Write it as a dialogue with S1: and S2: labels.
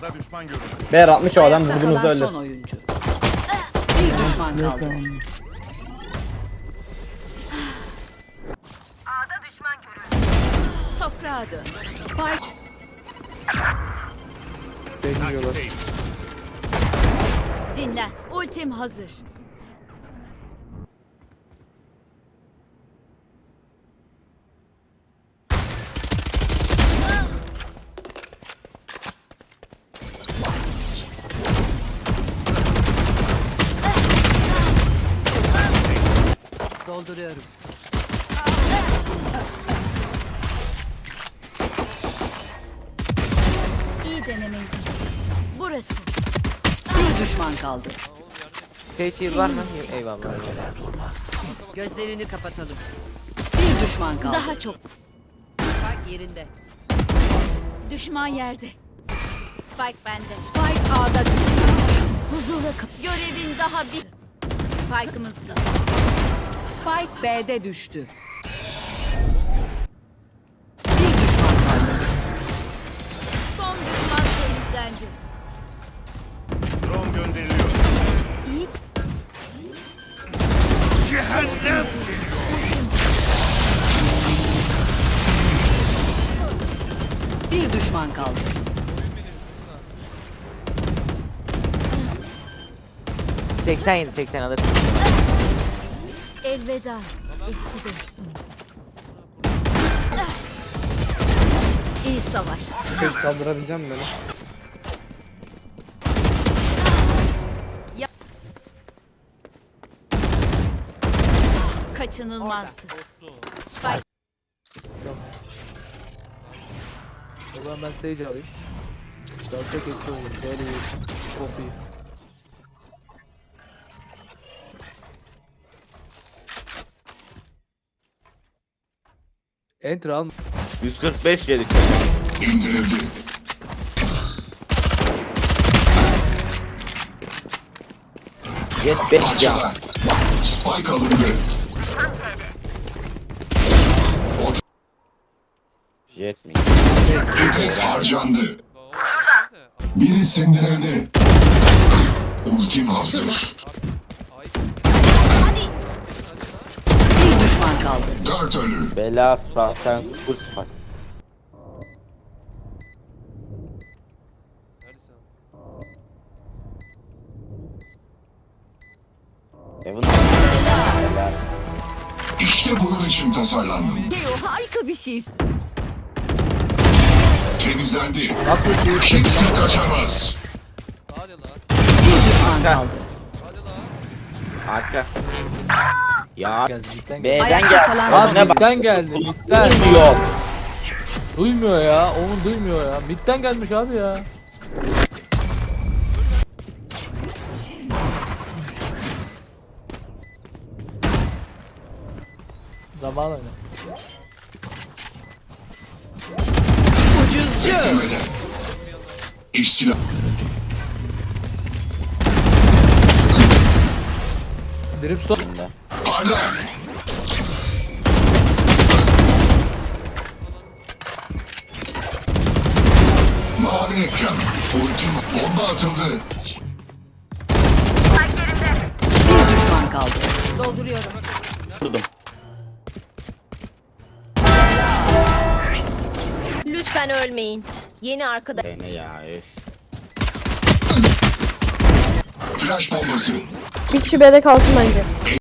S1: A'da düşman görüldü.
S2: B'ye 60 o adam
S3: Ayakta
S2: vurduğunuzda
S3: kalan
S2: ölür.
S3: son oyuncu. Bir düşman kaldı. Toprağa dön. Spike
S4: Bekliyorlar.
S3: dinle. Ultim hazır. Dolduruyorum. İyi denemeydi. Burası. Bir düşman kaldı.
S4: Sage var mı? Eyvallah.
S3: Gözlerini kapatalım. Bir düşman kaldı.
S5: Daha çok.
S3: Spike yerinde.
S5: Düşman yerde. Spike bende.
S3: Spike A'da düştü.
S5: Huzura kap. Görevin daha bir. Spike'ımız da.
S3: Spike B'de düştü. Bir düşman kaldı.
S5: Son düşman temizlendi.
S1: Drone gönderiliyor.
S5: İyi.
S3: Bir düşman kaldı.
S4: — 87-80 alır.
S5: Elveda. Eski dostum. İyi savaştı.
S2: Sage kaldırabileceğim mi beni?
S5: Kaçınılmazdı.
S4: O zaman ben Sage alayım. Dalga geçiyorum. Böyle bir çok iyi. Enter al.
S6: 145 yedik. İndirildi. 75 ya.
S7: Spike alındı.
S6: Jet mi?
S7: Hedef harcandı. Biri sindirildi. Ultim hazır.
S3: Bir düşman kaldı.
S7: 4 ölü.
S6: Bela sen full spike. Evan.
S7: İşte bunun için tasarlandım.
S5: Teo harika bir şey.
S7: Temizlendi.
S4: Nasıl şey?
S7: Kimse kaçamaz.
S3: Bir düşman kaldı.
S6: Arka. Ya
S4: Geldi cidden geldi.
S6: B'den
S3: Ayakta
S6: gel.
S3: kalan
S4: Lan
S6: Önüne bak.
S4: midden geldi. Midden.
S6: Duymuyor.
S4: Duymuyor ya. Onu duymuyor ya. Midden gelmiş abi ya. Zamanla.
S7: Beklemeden. İşçiler.
S4: Drip son.
S7: Parla. Mavi ekran. Ultim bomba atıldı.
S3: Bir düşman kaldı.
S5: Dolduruyorum.
S6: Vurdum.
S8: Lütfen ölmeyin. Yeni arkadaş.
S6: Ne ya üf.
S7: Flash bombası.
S8: Bir kişi B'de kalsın bence.